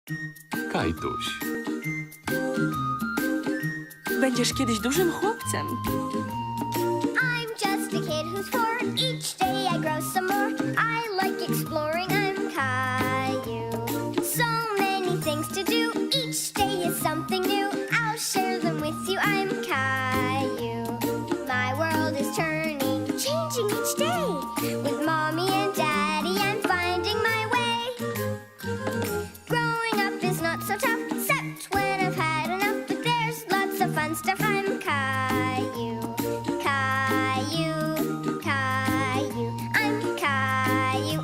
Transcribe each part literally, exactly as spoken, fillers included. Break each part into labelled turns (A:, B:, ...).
A: Kajtuś.
B: Będziesz kiedyś dużym chłopcem.
C: I'm just a kid who's four. Each day I grow some more. I like exploring. I'm Caillou. So many things to do. Each day is something new. I'll share them with you. I'm Caillou. My world is turning, changing each day. With mommy and daddy, I'm finding my way. Growing up is not so tough, except when I've had enough. But there's lots of fun stuff. I'm Caillou. Caillou, Caillou, I'm Caillou.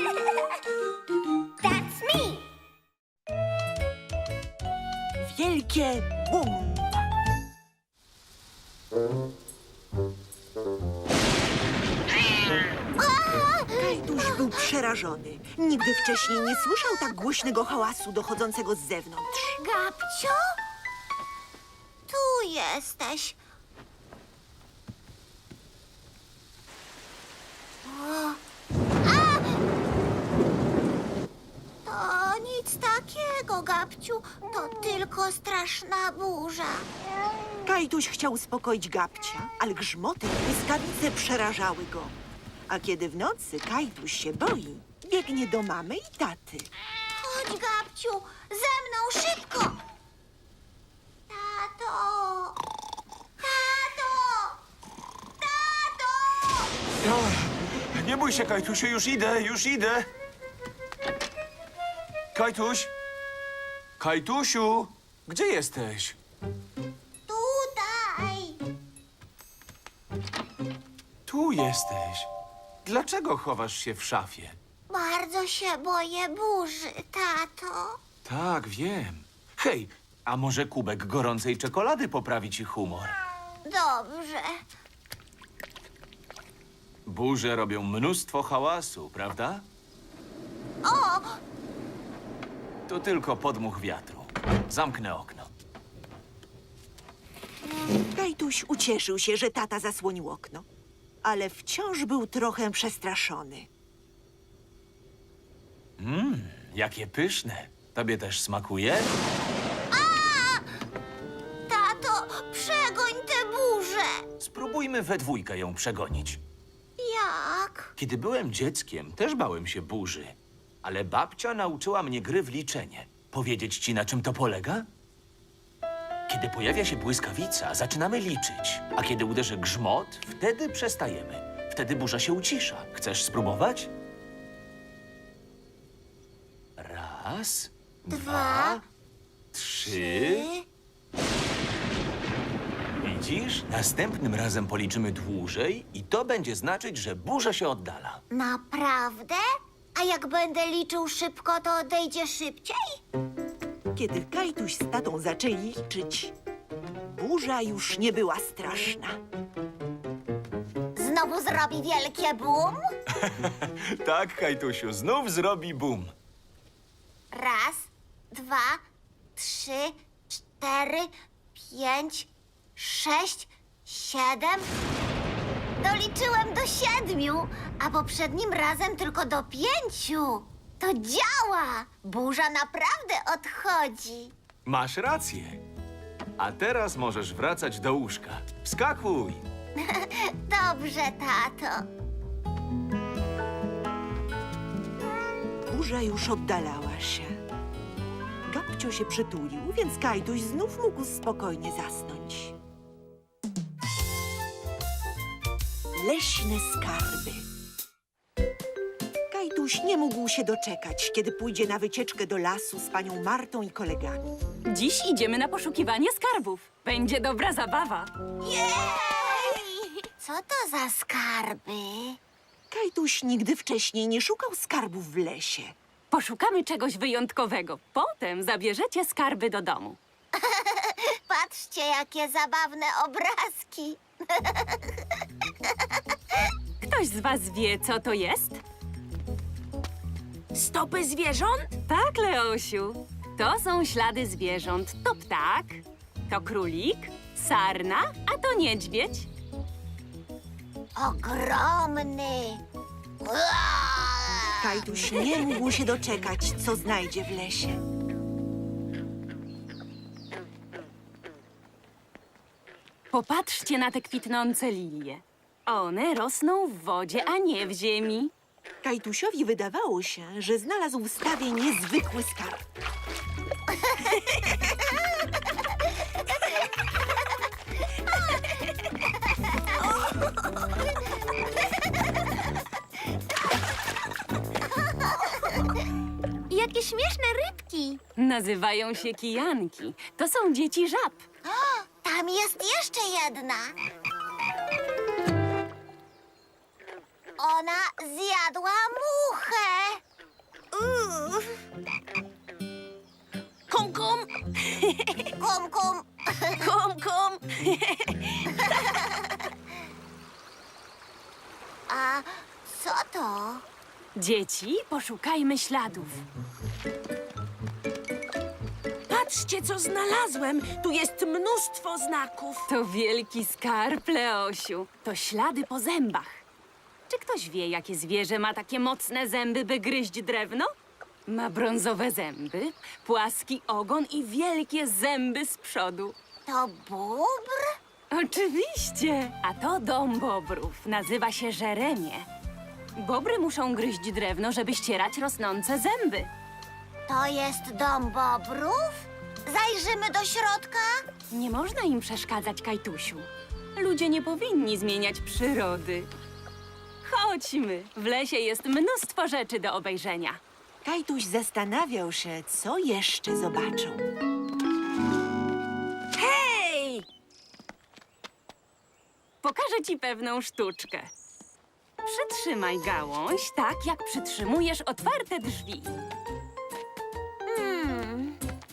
C: That's me.
D: Wielkie bum! Kajtuś był przerażony. Nigdy wcześniej nie słyszał tak głośnego hałasu dochodzącego z zewnątrz.
C: Gabcio? Tu jesteś. O. A! To nic takiego, Gabciu. To tylko straszna burza.
D: Kajtuś chciał uspokoić Gabcia, ale grzmoty i błyskawice przerażały go. A kiedy w nocy Kajtuś się boi, biegnie do mamy i taty.
C: Chodź, Gabciu, ze mną szybko. Tato! Tato! Tato!
E: O, nie bój się, Kajtusiu, już idę, już idę. Kajtuś? Kajtusiu, gdzie jesteś?
C: Tutaj!
E: Tu jesteś. Dlaczego chowasz się w szafie?
C: Bardzo się boję burzy, tato.
E: Tak, wiem. Hej, a może kubek gorącej czekolady poprawi ci humor?
C: Dobrze.
E: Burze robią mnóstwo hałasu, prawda?
C: O!
E: To tylko podmuch wiatru. Zamknę okno.
D: Kajtuś ucieszył się, że tata zasłonił okno, ale wciąż był trochę przestraszony.
E: Mmm, jakie pyszne. Tobie też smakuje?
C: Tato, przegoń tę burzę.
E: Spróbujmy we dwójkę ją przegonić.
C: Jak?
E: Kiedy byłem dzieckiem, też bałem się burzy. Ale babcia nauczyła mnie gry w liczenie. Powiedzieć ci, na czym to polega? Kiedy pojawia się błyskawica, zaczynamy liczyć. A kiedy uderzy grzmot, wtedy przestajemy. Wtedy burza się ucisza. Chcesz spróbować? Raz, dwa, trzy. Widzisz? Następnym razem policzymy dłużej i to będzie znaczyć, że burza się oddala.
C: Naprawdę? A jak będę liczył szybko, to odejdzie szybciej?
D: Kiedy Kajtuś z tatą zaczęli liczyć, burza już nie była straszna.
C: Znowu zrobi wielkie bum?
E: Tak, Kajtusiu, znów zrobi bum.
C: Raz, dwa, trzy, cztery, pięć, sześć, siedem. Doliczyłem do siedmiu, a poprzednim razem tylko do pięciu. To działa! Burza naprawdę odchodzi.
E: Masz rację. A teraz możesz wracać do łóżka. Wskakuj!
C: Dobrze, tato.
D: Burza już oddalała się. Gabcio się przytulił, więc Kajtuś znów mógł spokojnie zasnąć. Leśne skarby. Kajtuś nie mógł się doczekać, kiedy pójdzie na wycieczkę do lasu z panią Martą i kolegami.
B: Dziś idziemy na poszukiwanie skarbów. Będzie dobra zabawa.
C: Jej! Co to za skarby?
D: Kajtuś nigdy wcześniej nie szukał skarbów w lesie.
B: Poszukamy czegoś wyjątkowego. Potem zabierzecie skarby do domu.
C: Patrzcie, jakie zabawne obrazki.
B: Ktoś z was wie, co to jest? Stopy zwierząt? Tak, Leosiu. To są ślady zwierząt. To ptak, to królik, sarna, a to niedźwiedź.
C: Ogromny.
D: Kajtuś nie mógł się doczekać, co znajdzie w lesie.
B: Popatrzcie na te kwitnące lilie. One rosną w wodzie, a nie w ziemi.
D: Kajtusiowi wydawało się, że znalazł w stawie niezwykły skarb.
C: Jakie śmieszne rybki!
B: Nazywają się kijanki. To są dzieci żab.
C: Tam jest jeszcze jedna. Ona zjadła muchę. Uff.
B: Kum, kum,
C: Kum, kum.
B: kum, kum.
C: A co to?
B: Dzieci, poszukajmy śladów.
A: Patrzcie, co znalazłem! Tu jest mnóstwo znaków.
B: To wielki skarb, Leosiu. To ślady po zębach. Czy ktoś wie, jakie zwierzę ma takie mocne zęby, by gryźć drewno? Ma brązowe zęby, płaski ogon i wielkie zęby z przodu.
C: To bóbr?
B: Oczywiście! A to dom bobrów. Nazywa się żeremie. Bobry muszą gryźć drewno, żeby ścierać rosnące zęby.
C: To jest dom bobrów? Zajrzymy do środka?
B: Nie można im przeszkadzać, Kajtusiu. Ludzie nie powinni zmieniać przyrody. Chodźmy. W lesie jest mnóstwo rzeczy do obejrzenia.
D: Kajtuś zastanawiał się, co jeszcze zobaczą.
A: Hej!
B: Pokażę ci pewną sztuczkę. Przytrzymaj gałąź tak, jak przytrzymujesz otwarte drzwi.
C: Hmm.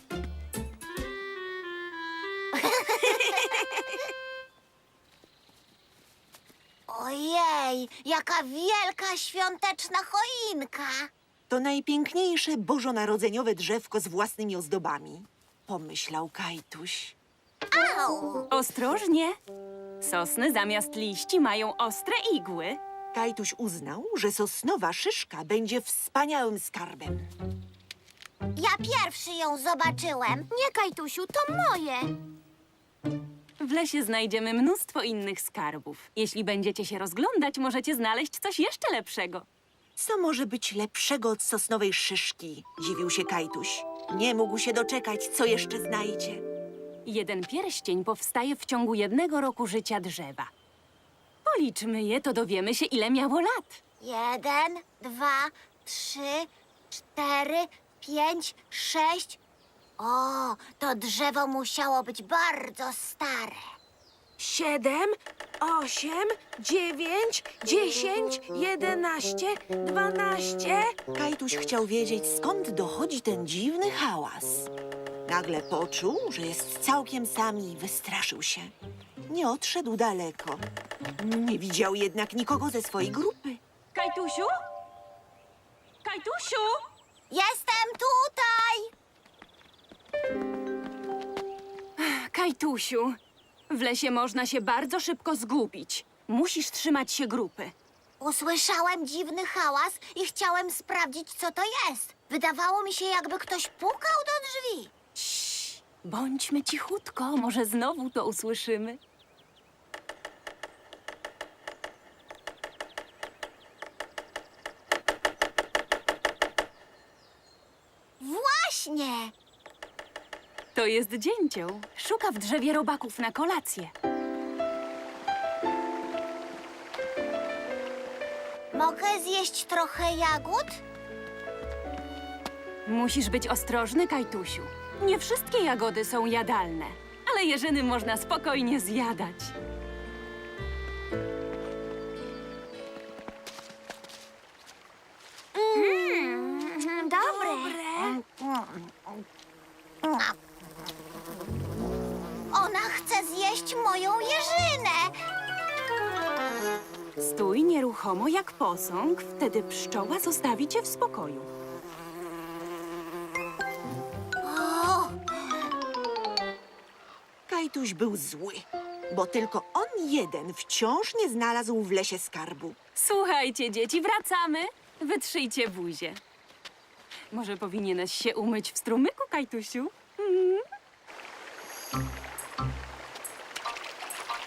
C: Ojej, jaka wielka świąteczna choinka!
D: To najpiękniejsze bożonarodzeniowe drzewko z własnymi ozdobami, pomyślał Kajtuś.
C: Au!
B: Ostrożnie. Sosny zamiast liści mają ostre igły.
D: Kajtuś uznał, że sosnowa szyszka będzie wspaniałym skarbem.
C: Ja pierwszy ją zobaczyłem. Nie, Kajtusiu, to moje.
B: W lesie znajdziemy mnóstwo innych skarbów. Jeśli będziecie się rozglądać, możecie znaleźć coś jeszcze lepszego.
D: Co może być lepszego od sosnowej szyszki? Dziwił się Kajtuś. Nie mógł się doczekać, co jeszcze znajdzie.
B: Jeden pierścień powstaje w ciągu jednego roku życia drzewa. Policzmy je, to dowiemy się, ile miało lat.
C: Jeden, dwa, trzy, cztery, pięć, sześć. O, to drzewo musiało być bardzo stare.
A: Siedem, osiem, dziewięć, dziesięć, jedenaście, dwanaście.
D: Kajtuś chciał wiedzieć, skąd dochodzi ten dziwny hałas. Nagle poczuł, że jest całkiem sam i wystraszył się. Nie odszedł daleko. Nie widział jednak nikogo ze swojej grupy.
B: Kajtusiu? Kajtusiu?
C: Jestem tutaj!
B: Kajtusiu, w lesie można się bardzo szybko zgubić. Musisz trzymać się grupy.
C: Usłyszałem dziwny hałas i chciałem sprawdzić, co to jest. Wydawało mi się, jakby ktoś pukał do drzwi.
B: Cii, bądźmy cichutko, może znowu to usłyszymy.
C: Właśnie!
B: To jest dzięcioł. Szuka w drzewie robaków na kolację.
C: Mogę zjeść trochę jagód?
B: Musisz być ostrożny, Kajtusiu. Nie wszystkie jagody są jadalne, ale jeżyny można spokojnie zjadać.
C: Mm, dobre. Ona chce zjeść moją jeżynę.
B: Stój nieruchomo jak posąg, wtedy pszczoła zostawi cię w spokoju.
C: O,
D: Kajtuś był zły, bo tylko on jeden wciąż nie znalazł w lesie skarbu.
B: Słuchajcie, dzieci, wracamy. Wytrzyjcie buzię. Może powinieneś się umyć w strumyku, Kajtusiu? Mm.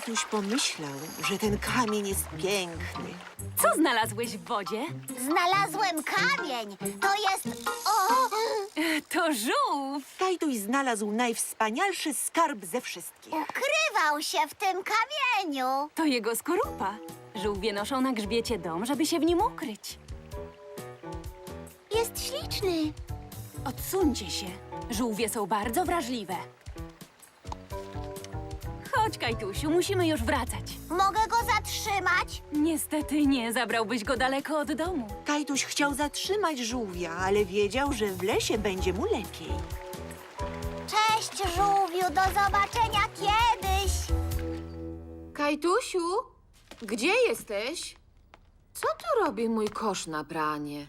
D: Kajtuś pomyślał, że ten kamień jest piękny.
B: Co znalazłeś w wodzie?
C: Znalazłem kamień. To jest... O!
B: To żółw!
D: Kajtuś znalazł najwspanialszy skarb ze wszystkich.
C: Ukrywał się w tym kamieniu.
B: To jego skorupa. Żółwie noszą na grzbiecie dom, żeby się w nim ukryć.
C: Jest śliczny.
B: Odsuńcie się. Żółwie są bardzo wrażliwe. Chodź, Kajtusiu, musimy już wracać.
C: Mogę go zatrzymać?
B: Niestety nie, zabrałbyś go daleko od domu.
D: Kajtuś chciał zatrzymać żółwia, ale wiedział, że w lesie będzie mu lepiej.
C: Cześć, żółwiu. Do zobaczenia kiedyś.
F: Kajtusiu, gdzie jesteś? Co tu robi mój kosz na pranie?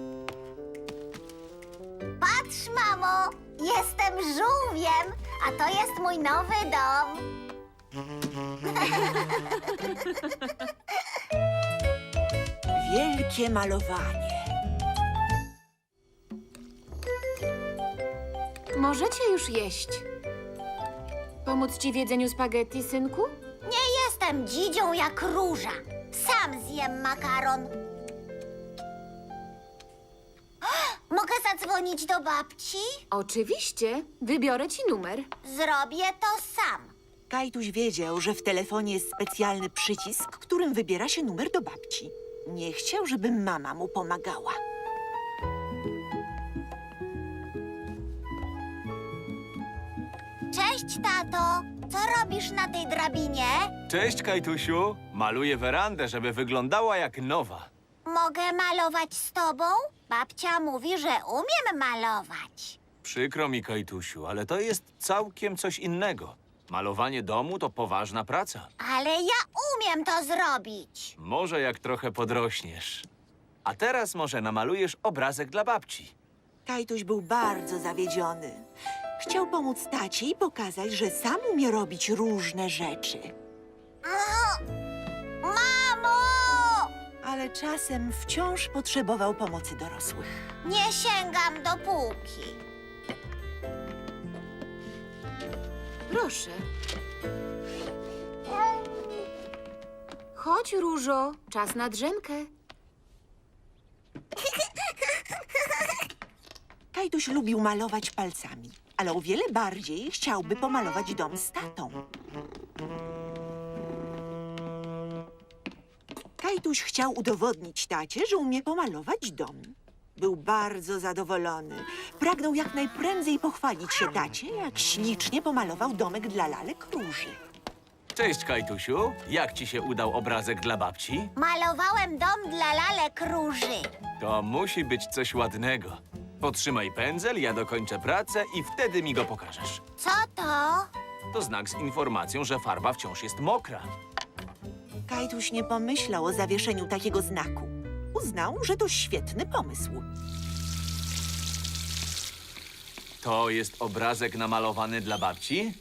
C: Patrz, mamo. Jestem żółwiem, a to jest mój nowy dom.
D: Wielkie malowanie.
F: Możecie już jeść. Pomóc ci w jedzeniu spaghetti, synku?
C: Nie jestem dzidzią jak róża. Sam zjem makaron. Mogę zadzwonić do babci?
F: Oczywiście. Wybiorę ci numer.
C: Zrobię to sam.
D: Kajtuś wiedział, że w telefonie jest specjalny przycisk, którym wybiera się numer do babci. Nie chciał, żeby mama mu pomagała.
C: Cześć, tato. Co robisz na tej drabinie?
E: Cześć, Kajtusiu. Maluję werandę, żeby wyglądała jak nowa.
C: Mogę malować z tobą? Babcia mówi, że umiem malować.
E: Przykro mi, Kajtusiu, ale to jest całkiem coś innego. Malowanie domu to poważna praca.
C: Ale ja umiem to zrobić.
E: Może jak trochę podrośniesz. A teraz może namalujesz obrazek dla babci.
D: Kajtuś był bardzo zawiedziony. Chciał pomóc tacie i pokazać, że sam umie robić różne rzeczy.
C: O! Mamo!
D: Ale czasem wciąż potrzebował pomocy dorosłych.
C: Nie sięgam do półki.
F: Proszę. Chodź, Różo. Czas na drzemkę.
D: Kajtuś lubił malować palcami, ale o wiele bardziej chciałby pomalować dom z tatą. Kajtuś chciał udowodnić tacie, że umie pomalować dom. Był bardzo zadowolony. Pragnął jak najprędzej pochwalić się tacie, jak ślicznie pomalował domek dla lalek Róży.
E: Cześć, Kajtusiu. Jak ci się udał obrazek dla babci?
C: Malowałem dom dla lalek Róży.
E: To musi być coś ładnego. Potrzymaj pędzel, ja dokończę pracę i wtedy mi go pokażesz.
C: Co to?
E: To znak z informacją, że farba wciąż jest mokra.
D: Kajtuś nie pomyślał o zawieszeniu takiego znaku. Uznał, że to świetny pomysł.
E: To jest obrazek namalowany dla babci?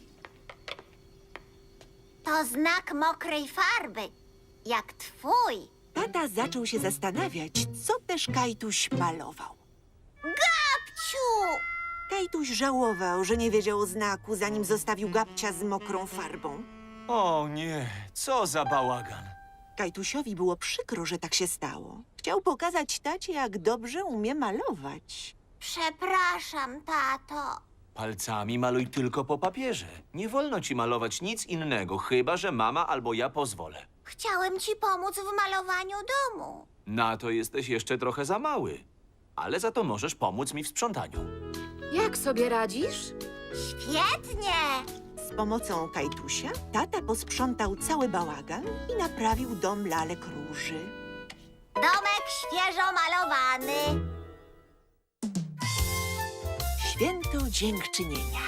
C: To znak mokrej farby. Jak twój.
D: Tata zaczął się zastanawiać, co też Kajtuś malował.
C: Gabciu!
D: Kajtuś żałował, że nie wiedział o znaku, zanim zostawił Gabcia z mokrą farbą.
E: O nie, co za bałagan.
D: Kajtusiowi było przykro, że tak się stało. Chciał pokazać tacie, jak dobrze umie malować.
C: Przepraszam, tato.
E: Palcami maluj tylko po papierze. Nie wolno ci malować nic innego, chyba że mama albo ja pozwolę.
C: Chciałem ci pomóc w malowaniu domu.
E: Na to jesteś jeszcze trochę za mały. Ale za to możesz pomóc mi w sprzątaniu.
F: Jak sobie radzisz?
C: Świetnie!
D: Z pomocą Kajtusia tata posprzątał cały bałagan i naprawił dom lalek Róży.
C: Domek świeżo malowany.
D: Święto Dziękczynienia.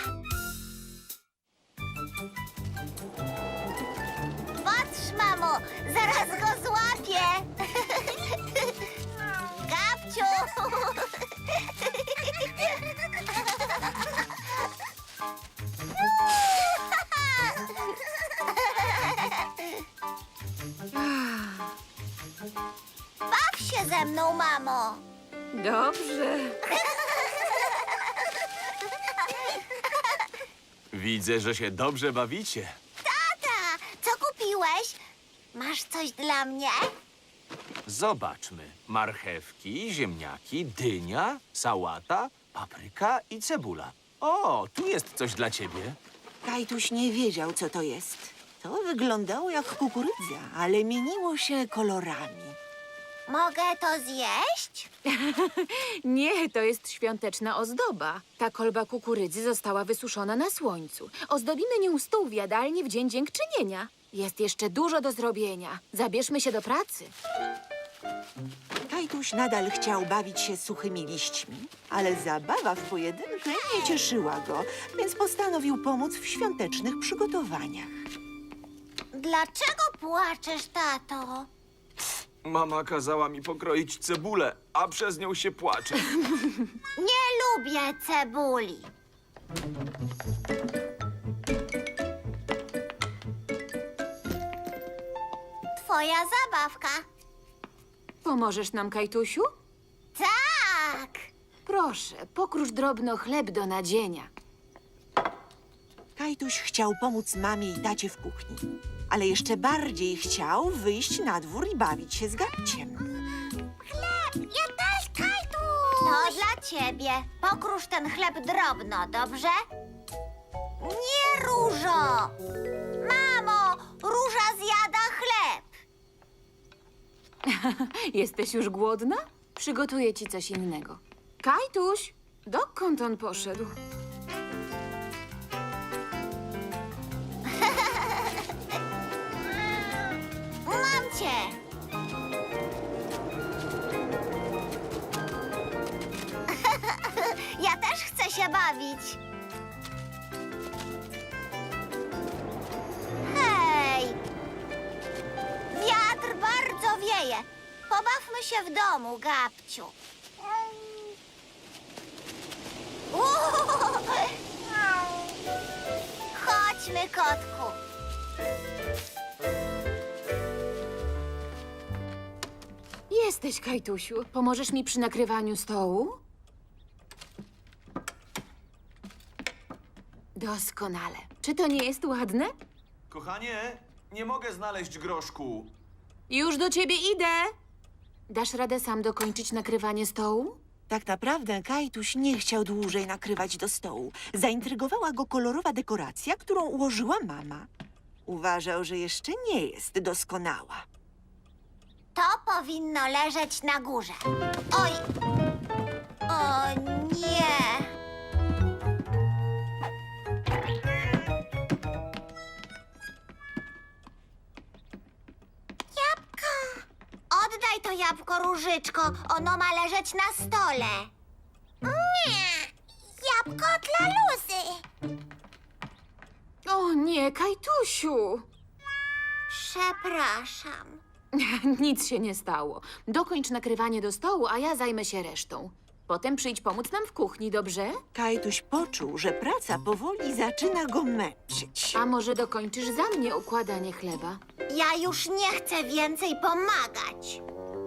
C: Patrz, mamo, zaraz go złapię. Gabciu! Baw się ze mną, mamo.
F: Dobrze.
E: Widzę, że się dobrze bawicie.
C: Tata, co kupiłeś? Masz coś dla mnie?
E: Zobaczmy. Marchewki, ziemniaki, dynia, sałata, papryka i cebula. O, tu jest coś dla ciebie.
D: Kajtuś nie wiedział, co to jest. To wyglądało jak kukurydza, ale mieniło się kolorami.
C: Mogę to zjeść?
F: Nie, to jest świąteczna ozdoba. Ta kolba kukurydzy została wysuszona na słońcu. Ozdobimy nią stół w jadalni w Dzień Dziękczynienia. Jest jeszcze dużo do zrobienia. Zabierzmy się do pracy.
D: Kajtuś nadal chciał bawić się suchymi liśćmi, ale zabawa w pojedynkę nie cieszyła go, więc postanowił pomóc w świątecznych przygotowaniach.
C: Dlaczego płaczesz, tato?
E: Mama kazała mi pokroić cebulę, a przez nią się płacze.
C: Nie lubię cebuli. Twoja zabawka.
F: Pomożesz nam, Kajtusiu?
C: Tak.
F: Proszę, pokrusz drobno chleb do nadzienia.
D: Kajtuś chciał pomóc mamie i tacie w kuchni, ale jeszcze bardziej chciał wyjść na dwór i bawić się z Gabciem.
C: Ja też, Kajtuś. To dla ciebie. Pokrusz ten chleb drobno, dobrze? Nie, Różo. Mamo, Róża zjada chleb.
F: Jesteś już głodna? Przygotuję ci coś innego. Kajtuś, dokąd on poszedł?
C: Mam cię. Ja też chcę się bawić. Hej! Wiatr bardzo wieje. Pobawmy się w domu, Gabciu. Uuu! Chodźmy, kotku.
F: Jesteś, Kajtusiu. Pomożesz mi przy nakrywaniu stołu? Doskonale. Czy to nie jest ładne?
E: Kochanie, nie mogę znaleźć groszku.
F: Już do ciebie idę. Dasz radę sam dokończyć nakrywanie stołu?
D: Tak naprawdę Kajtuś nie chciał dłużej nakrywać do stołu. Zaintrygowała go kolorowa dekoracja, którą ułożyła mama. Uważał, że jeszcze nie jest doskonała.
C: To powinno leżeć na górze. Oj! O nie! Jabłko! Oddaj to jabłko, Różyczko. Ono ma leżeć na stole. Nie! Jabłko dla Luzy.
F: O nie, Kajtusiu!
C: Przepraszam.
F: Nic się nie stało. Dokończ nakrywanie do stołu, a ja zajmę się resztą. Potem przyjdź pomóc nam w kuchni, dobrze?
D: Kajtuś poczuł, że praca powoli zaczyna go męczyć.
F: A może dokończysz za mnie układanie chleba?
C: Ja już nie chcę więcej pomagać.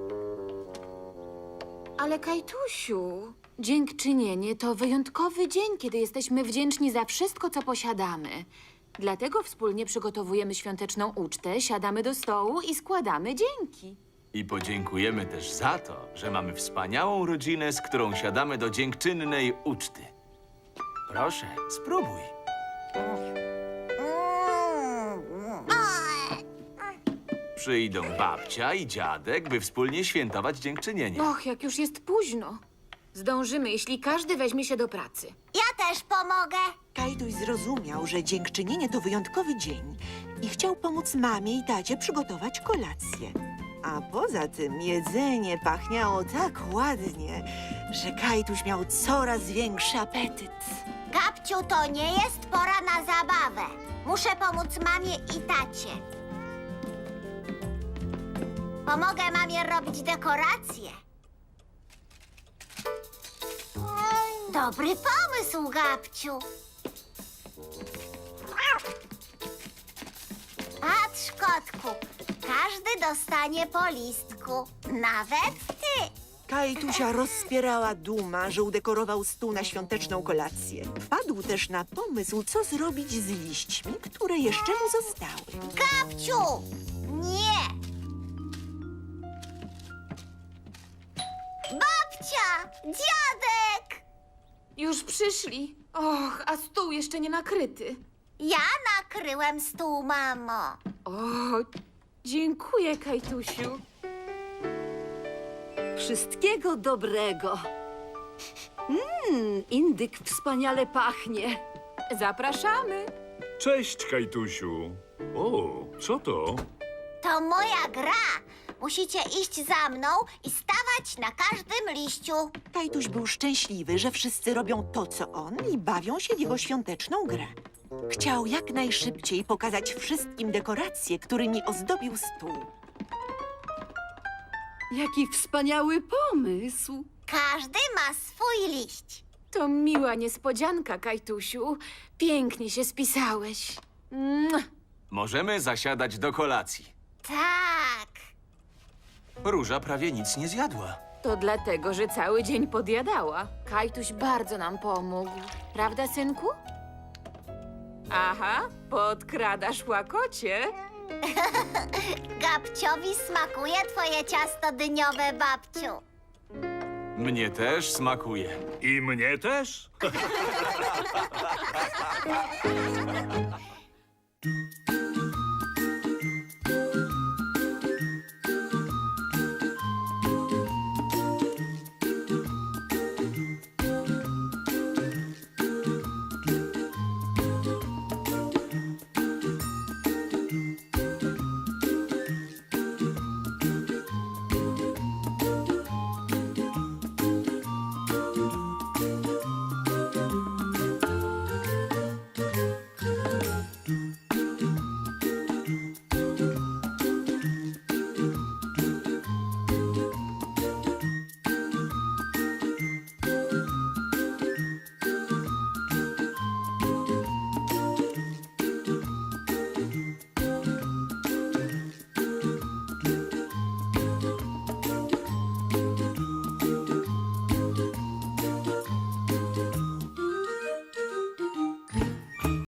F: Ale Kajtusiu, dziękczynienie to wyjątkowy dzień, kiedy jesteśmy wdzięczni za wszystko, co posiadamy. Dlatego wspólnie przygotowujemy świąteczną ucztę, siadamy do stołu i składamy dzięki.
E: I podziękujemy też za to, że mamy wspaniałą rodzinę, z którą siadamy do dziękczynnej uczty. Proszę, spróbuj. Przyjdą babcia i dziadek, by wspólnie świętować dziękczynienie.
F: Och, jak już jest późno. Zdążymy, jeśli każdy weźmie się do pracy.
C: Ja też pomogę.
D: Kajtuś zrozumiał, że dziękczynienie to wyjątkowy dzień i chciał pomóc mamie i tacie przygotować kolację. A poza tym jedzenie pachniało tak ładnie, że Kajtuś miał coraz większy apetyt.
C: Gabciu, to nie jest pora na zabawę. Muszę pomóc mamie i tacie. Pomogę mamie robić dekoracje. Dobry pomysł, Gabciu. Patrz, kotku. Każdy dostanie po listku. Nawet ty.
D: Kajtusia rozpierała duma, że udekorował stół na świąteczną kolację. Padł też na pomysł, co zrobić z liśćmi, które jeszcze mu zostały.
C: Gabciu! Nie! Babcia! Dziadek!
F: Już przyszli. Och, a stół jeszcze nie nakryty.
C: Ja nakryłem stół, mamo.
F: O, dziękuję, Kajtusiu.
A: Wszystkiego dobrego. Mmm, indyk wspaniale pachnie.
F: Zapraszamy.
G: Cześć, Kajtusiu. O, co to?
C: To moja gra. Musicie iść za mną i stawać na każdym liściu.
D: Kajtuś był szczęśliwy, że wszyscy robią to, co on i bawią się w jego świąteczną grę. Chciał jak najszybciej pokazać wszystkim dekoracje, którymi ozdobił stół.
A: Jaki wspaniały pomysł.
C: Każdy ma swój liść.
F: To miła niespodzianka, Kajtusiu. Pięknie się spisałeś. Mua.
E: Możemy zasiadać do kolacji.
C: Tak.
E: Róża prawie nic nie zjadła.
F: To dlatego, że cały dzień podjadała. Kajtuś bardzo nam pomógł. Prawda, synku? Aha, podkradasz łakocie.
C: Gabciowi smakuje twoje ciasto dyniowe, babciu.
E: Mnie też smakuje.
G: I mnie też?